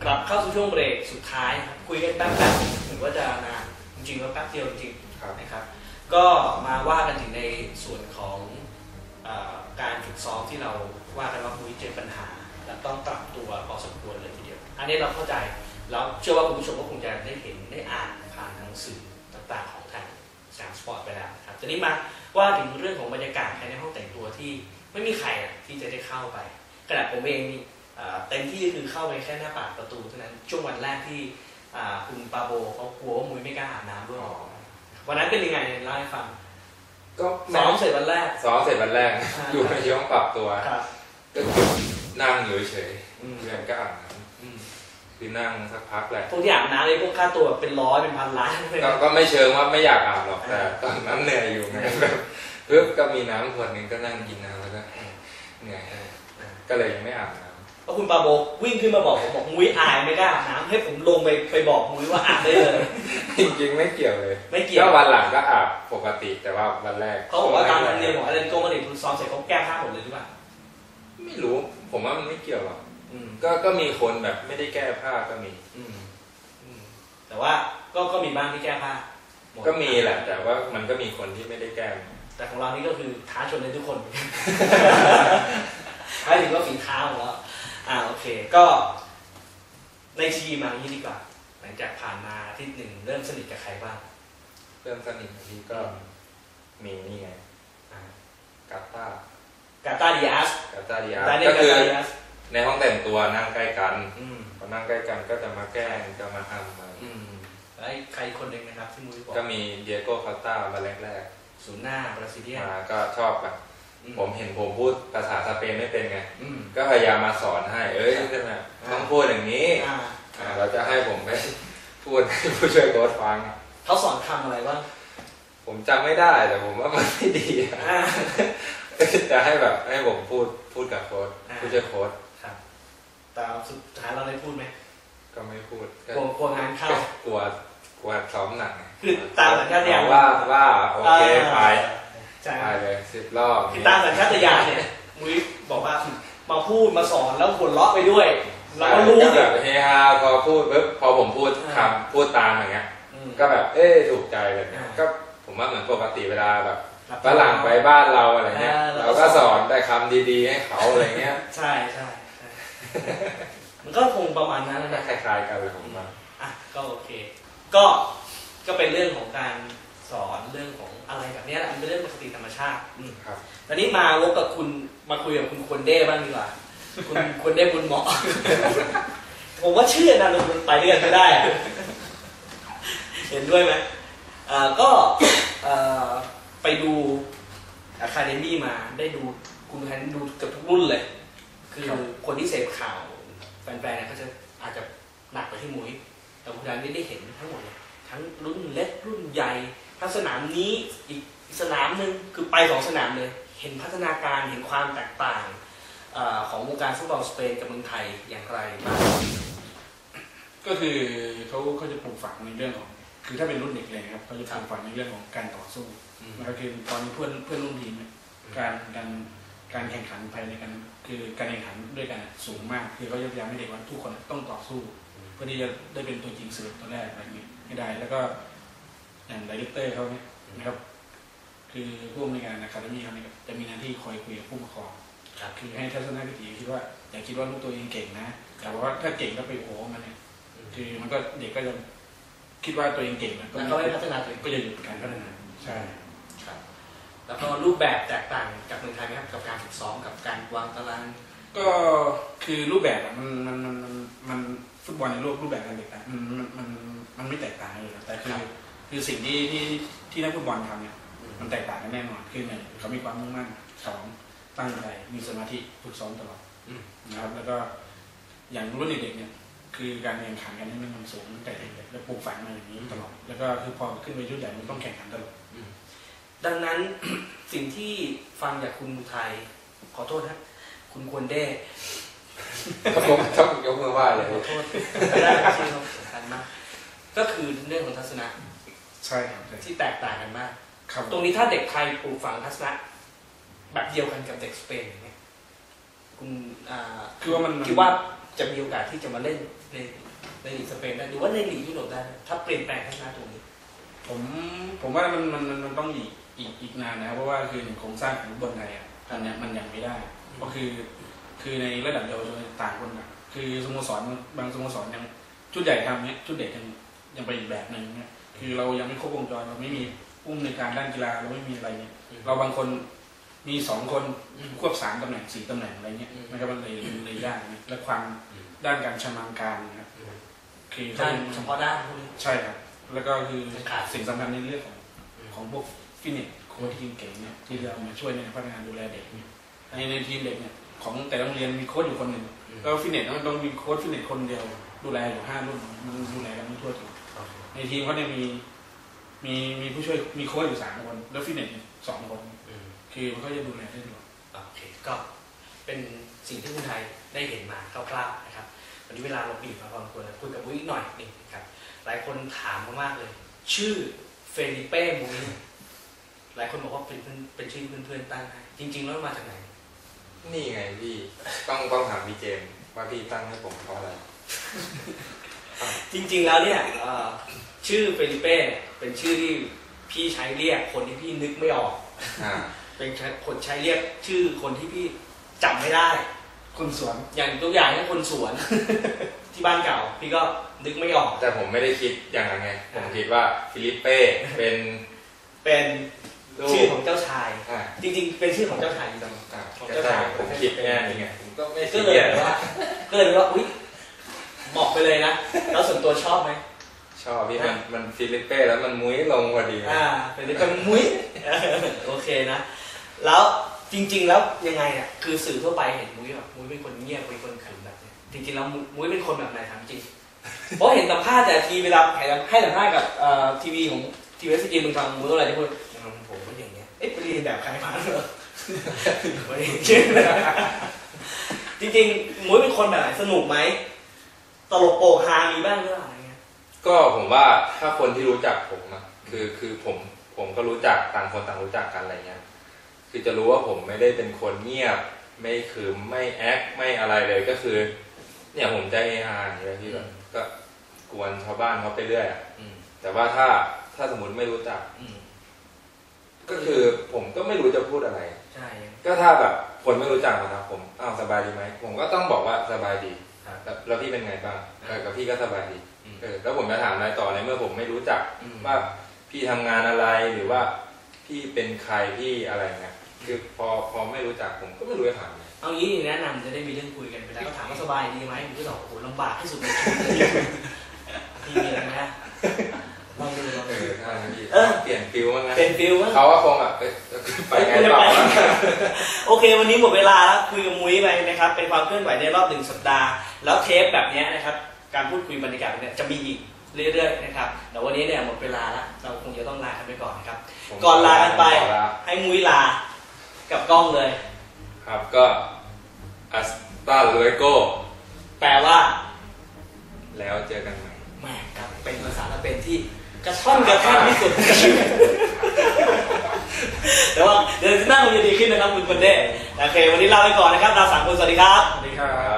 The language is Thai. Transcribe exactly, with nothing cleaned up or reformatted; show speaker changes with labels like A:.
A: กลับเข้าสู่ช่วงเบรกสุดท้ายครับคุยกันแป๊บๆเหมือนว่าจะนานจริงๆแล้วแป๊บเดียวจริงๆนะครับก็มาว่ากันถึงในส่วนของการฝึกซ้อมที่เราว่ากันว่ามุ้ยเจอปัญหาและต้องปรับตัวพอสมควรเลยทีเดียวอันนี้เราเข้าใจแล้วเชื่อว่าคุณผู้ชมก็คงจะได้เห็นได้อ่านผ่านหนังสือต่างๆของทางสามสปอร์ตไปแล้วครับทีนี้มาว่าถึงเรื่องของบรรยากาศภายในห้องแต่งตัวที่ไม่มีใครที่จะได้เข้าไปขณะผมเองเต็มที่คือเข้าไปแค่หน้าปากประตูเท่านั้นช่วงวันแรกที่คุณปาโบเขากลัวว่ามุ้ยไม่กล้าอาบน้ำด้วยวันนั้นเป็นยังไงเล่าให้ฟังก็ซ้อมเสร็จวันแรก
B: ซ้อมเสร็จวันแรกอยู่ในช่วงปรับตัวก็นั่งอยู่เฉยเพื่อนก็อาบน้ำคือนั่งสักพักแหละ
A: พวกที่อาบน้ำเลยพวกค่าตัวเป็นร้อยเป็นพันล้าน
B: ก็ไม่เชิงว่าไม่อยากอาบหรอกแต่ตอนนั้นเหนื่อยอยู่ไงเพิ่มก็มีน้ำขวดนึงก็นั่งกินน้ำแล้วก็เหนื่อยก็เลยยังไม่อาบน้ำ
A: แล้วคุณปาโบวิ่งขึ้นมาบอกผมบอกมุ้ยอายไม่กล้าอาบน้ำให้ผมลงไปไปบอกมุ้ยว่าอาบได้เลย
B: จริงๆไม่เกี่ยวเลย
A: ไม่เกี่ยว
B: ก็วันหลังก็อาบปกติแต่ว่าวันแรก
A: เขาบอกว่าตามธรรมเนียมของอาเลนโกมาดริดคุณซ้อมเสร็จเขาแก้ผ้าหมดเลยหรือเปล่า
B: ไม่รู้ผมว่ามันไม่เกี่ยวหรอกก็ก็มีคนแบบไม่ได้แก้ผ้าก็มี
A: แต่ว่าก็ก็มีบ้างที่แก้ผ้า
B: ก็มีแหละแต่ว่ามันก็มีคนที่ไม่ได้แก้
A: แต่ของเรานี่ก็คือท้าชนในทุกคนท้าถึงว่าฝีเท้าของเราอ่าโอเคก็ในทีมมาอย่างนี้ดีกว่าหลังจากผ่านมาอาทิตย์หนึ่งเริ่มสนิทกับใครบ้าง
B: เริ่มสนิททีก็มีนี่ไงกาตาก
A: าตาดิอาส
B: กาตาดิอาสก็คือในห้องแต่งตัวนั่งใกล้กันพอนั่งใกล้กันก็จะมาแกล้งจะมาทำมา
A: แล้วใครคนหนึ่งนะครับที่มุ้ยบอก
B: ก็มีเดียโก้คาต้ามาแรก
A: ๆศูนย์หน้าบราซิเลียน
B: มาก็ชอบแบบผมเห็นผมพูดภาษาสเปนไม่เป็นไงก็พยายามมาสอนให้เอ้ยต้องพูดอย่างนี้เราจะให้ผมไปพูดให้ผู้ช่วยโค้ชฟัง
A: เขาสอนคำอะไรบ้าง
B: ผมจำไม่ได้แต่ผมว่ามันไม่ดีจะให้แบบให้ผมพูดพูดกับโค้ชผู้ช่วยโค้ช
A: แต่สุดท้ายเราได้พูดไหม
B: ก็ไม่พูด
A: กลัวกลัวงานเข้าก
B: ลัวกลัวซ้อมหนัก
A: คือตามสัญชาตญาณ
B: ว่าว่าโอเคไปไปเลยสิบรอบ
A: คือตามสัญชาตญาณเนี่ยมุ้ยบอกว่ามาพูดมาสอนแล้วหัวเราะไปด้วยเราก็รู้
B: แบบเฮฮาพอพูดปุ๊บพอผมพูดคำพูดตามอย่างเงี้ยก็แบบเอ๊ะถูกใจเลยก็ผมว่าเหมือนปกติเวลาแบบฝรั่งไปบ้านเราอะไรเงี้ยเราก็สอนได้คำดีๆให้เขาอะไรเงี้ย
A: ใช่ใช่มันก็คงประมาณนั้นนะ
B: คล้ายๆกันเลยผมว่า
A: อ่ะก็โอเคก็ก็เป็นเรื่องของการสอนเรื่องของอะไรแบบนี้แหละมันเป็นเรื่องปกติธรรมชาติ
B: ครับ
A: ตอนนี้มาวกกับคุณมาคุยกับคุณควรเด้บ้างดีกว่าคุณควรเด้บุญเหมาะผมว่าชื่อนะมันไปด้วยกันไม่ได้เห็นด้วยไหมอ่าก็ไปดูอะคาเดมี่มาได้ดูคุณแทนดูเกือบทุกรุ่นเลยคือคนที่เสพข่าวแฟนๆเนี่ยก็จะอาจจะหนักไปที่มุ้ยแต่คุณแทนได้เห็นทั้งหมดเลยทั้งรุ่นเล็กรุ่นใหญ่ทั้งสนามนี้อีกสนามหนึ่งคือไปสองสนามเลยเห็นพัฒนาการเห็นความแตกต่างของวงการฟุตบอลสเปนกับเมืองไทยอย่างไรบ้าง
C: ก็คือเขาเขาจะปลูกฝังในเรื่องของคือถ้าเป็นรุ่นเด็กเลยครับเขาจะปลูกฝังในเรื่องของการต่อสู้นะครับคือตอนนี้เพื่อนเพื่อนรุ่นทีมเนี่ยการการการแข่งขันภายในกันคือการแข่งขันด้วยกันสูงมากคือเขาจะพยายามให้เด็กว่าทุกคนต้องต่อสู้เพื่อที่จะได้เป็นตัวจริงเสือตัวแรกอะไรอย่างนี้ให้ได้แล้วก็อย่างไดเรคเตอร์เขาเนี่ยนะครับคือผู้อำนวยการอะคาเดมี่เขาเนี่ยจะมีหน้าที่คอยคุยกับผู้ปกครองคือให้ทัศนคติคิดว่าอย่าคิดว่าลูกตัวเองเก่งนะแต่ว่าถ้าเก่งแล้วไปโอ้มันเนี่ยคือมันก็เด็กก็จะคิดว่าตัวเองเก่งแล้ว
A: ก็ไม่พัฒนาตัวเอง
C: ก็จะหยุดการพัฒนาใช่
A: ครับแล้วก็รูปแบบแตกต่างจากเมืองไทยไหมครับกับการฝึกซ้อมกับการวางตาราง
C: ก็คือรูปแบบมันมันมันมันฟุตบอลในโลกรูปแบบการแตกต่างมันมันมันมันไม่แตกต่างเลยแต่คือคือสิ่งที่ที่ที่นักฟุตบอลทำเนี่ยมันแตกต่างกันแน่นอนคือหนึ่งเขามีความมุ่งมั่นสองตั้งใจมีสมาธิฝึกซ้อมตลอดนะครับแล้วก็อย่างรุ่นเด็กเนี่ยคือการแข่งขันกันนี่มันสูงตั้งแต่เด็กแล้วปลูกฝังมาอย่างนี้ตลอดแล้วก็คือพอขึ้นไปรุ่นใหญ่มันต้องแข่งขันตลอด
A: ดังนั้นสิ่งที่ฟังจากคุณไทยขอโทษนะคุณควรได้
B: ผมต้องยกมือไหว้เลย
A: ขอโทษไม่ได้ที่เราสำคัญมากก็คือเรื่องของทัศนะ
C: ใช่ครับ
A: ที่แตกต่างกันมากตรงนี้ถ้าเด็กไทยปลูกฝังทัศนะแบบเดียวกันกับเด็กสเปนอย่างเงี้ยคุณ
C: คือว่ามัน
A: คิดว่าจะมีโอกาสที่จะมาเล่นในในลีกสเปนได้หรือว่าในลีกยุโรปได้ถ้าเปลี่ยนแปลงทัศนะตรงนี้
C: ผมผมว่ามันมันมันต้องอีกอีกอีกนานนะครับเพราะว่าคือหนึ่งโครงสร้างของฟุตบอลไทยอ่ะตอนนี้มันยังไม่ได้ก็คือคือในระดับเยาวชนต่างคนต่างคือสโมสรบางสโมสรยังชุดใหญ่ทำเนี้ยชุดเด็กยังยังไปอีกแบบหนึ่งเนี้ยคือเรายังไม่ครบวงจรเราไม่มีผู้อำนวยการด้านกีฬาเราไม่มีอะไรเนี้ยเราบางคนมีสองคนควบสามตำแหน่งสี่ตำแหน่งอะไรเงี้ยมันก็มันเลยเลยยากนะและความด้านการชำนาญการนะครับคือ
A: ด้านเฉพาะด้านพวกนี้
C: ใช่ครับแล้วก็คือสิ่งสำคัญในเรื่องของของพวกฟิตเนสโค้ชทีมเก่งเนี่ยที่จะเอามาช่วยในพัฒนาดูแลเด็กในในทีมเด็กเนี่ยของแต่โรงเรียนมีโค้ชอยู่คนหนึ่งแล้วฟิตเนสมันต้องมีโค้ชฟิตเนสคนเดียวดูแลอยู่ห้ารุ่นมันดูแลกันไม่ทั่วถึงในทีมเขาเนี่ยมีมีมีผู้ช่วยมีโค้ชอยู่สามคนแล้วฟิตเนสสองคนคือมันก็จะดูแลได้ดี
A: โอเคก็เป็นสิ่งที่คนไทยได้เห็นมาคร่าวๆนะครับวันนี้เวลาเราบีบมาพอสมควรแล้วคุยกับมุ้ยอีกหน่อยนึงครับหลายคนถามมากๆเลยชื่อเฟลิเป้มุ้ยหลายคนบอกว่าเป็นเป็นชื่อเพื่อนๆตั้งให้จริงๆแล้วมาจากไหน
B: นี่ไงพี่ต้องต้องถามพี่เจมส์ว่าพี่ตั้งให้ผมเพราะอะไร
A: จริงๆแล้วเนี่ยชื่อเฟลิเป้เป็นชื่อที่พี่ใช้เรียกคนที่พี่นึกไม่ออกเป็นคนใช้เรียกชื่อคนที่พี่จำไม่ได้
C: คนสวน
A: อย่างตัวอย่างนี่คนสวนที่บ้านเก่าพี่ก็นึกไม่ออก
B: แต่ผมไม่ได้คิดอย่างนั้นไงผมคิดว่าฟิลิปเป้เป็น
A: เป็นชื่อของเจ้าชายจริงๆเป็นชื่อของเจ้าชายจริง
B: ๆของเจ้าชายผมคิดแค่นี้ไงผมก็ไม่
A: ก็เลยว่าก็เลยว่าอุ๊ยบอกไปเลยนะแล้วส่วนตัวชอบไหม
B: ชอบพี่มันมันฟิลิปเป้แล้วมันมุ้ยลงพอดี
A: อ่าเป็นเป็นมุ้ยโอเคนะแล้วจริงๆแล้วยังไงเนี่ยคือสื่อทั่วไปเห็นมุ้ยแบบมุ้ยเป็นคนเงียบเป็นคนขรึมแบบนี้จริงๆแล้วมุ้ยเป็นคนแบบไหนถามจริงเพราะเห็นสัมภาษณ์แต่ทีเวลาให้สัมภาษณ์กับทีวีของทีวีเอสจีมึงฟังมุ้ยอะไรที่พูดผมก็อย่างเงี้ยเอ๊ะไปเรียนแบบใครมาเหรอไม่ได้เชื่อจริงๆมุ้ยเป็นคนแบบไหนสนุกไหมตลกโปกฮามีบ้างหรือเปล่าอะไรเงี้ย
B: ก็ผมว่าถ้าคนที่รู้จักผมอะคือคือผมผมก็รู้จักต่างคนต่างรู้จักกันอะไรเงี้ยคือจะรู้ว่าผมไม่ได้เป็นคนเงียบไม่คืมไม่แอคไม่อะไรเลยก็คือเนี่ยผมใจเฮฮาอย่างเงี้ยที่แบบก็กวนชาวบ้านเขาไปเรื่อยอะแต่ว่าถ้าถ้าสมมติไม่รู้จักก็คือผมก็ไม่รู้จะพูดอะไร
A: ใช่
B: ก็ถ้าแบบคนไม่รู้จักนะครับผมอ้าวสบายดีไหมผมก็ต้องบอกว่าสบายดีแล้วพี่เป็นไงบ้างกับพี่ก็สบายดีเออแล้วผมจะถามอะไรต่อในเมื่อผมไม่รู้จักว่าพี่ทำงานอะไรหรือว่าพี่เป็นใครพี่อะไรเงี้ยคือพอพอไม่รู้จักผมก็ไม่รู้จะถามเลย
A: เอางี้แนะนำจะได้มีเรื่องคุยกันไปแล้วก็ถามว่าสบายดีไหมผมก็บอกโอ้โหลำบากที่สุดในชีวิตพี่มีอะไรนะลองดูลองดู
B: เออเปลี่ยนฟิลมั้งนะ
A: เปลี่ยนฟิลมั้ง
B: เขาว่าคงแบบไปไงต่อ
A: โอเควันนี้หมดเวลาแล้วคุยกับมุ้ยไปนะครับเป็นความเคลื่อนไหวในรอบหนึ่งสัปดาห์แล้วเทปแบบนี้นะครับการพูดคุยบรรยากาศเนี่ยจะมีอีกเรื่อยๆนะครับแต่วันนี้เนี่ยหมดเวลาแล้วเราคงจะต้องลากันไปก่อนนะครับก่อนลากันไปให้มุ้ยลากับกล้องเลย
B: ครับก็อัสตาลูเอโก
A: แปลว่า
B: แล้วเจอกันใหม่
A: แม่ครับเป็นภาษาละเป็นที่กระท่อนกระแทกที่สุดแต่ว่าเดี๋ยวหน้าคงจะดีขึ้นนะครับคุณคนเด้โอเควันนี้ลาไปก่อนนะครับเราสามคนสวัสดีครับ
C: สวัสดีครับ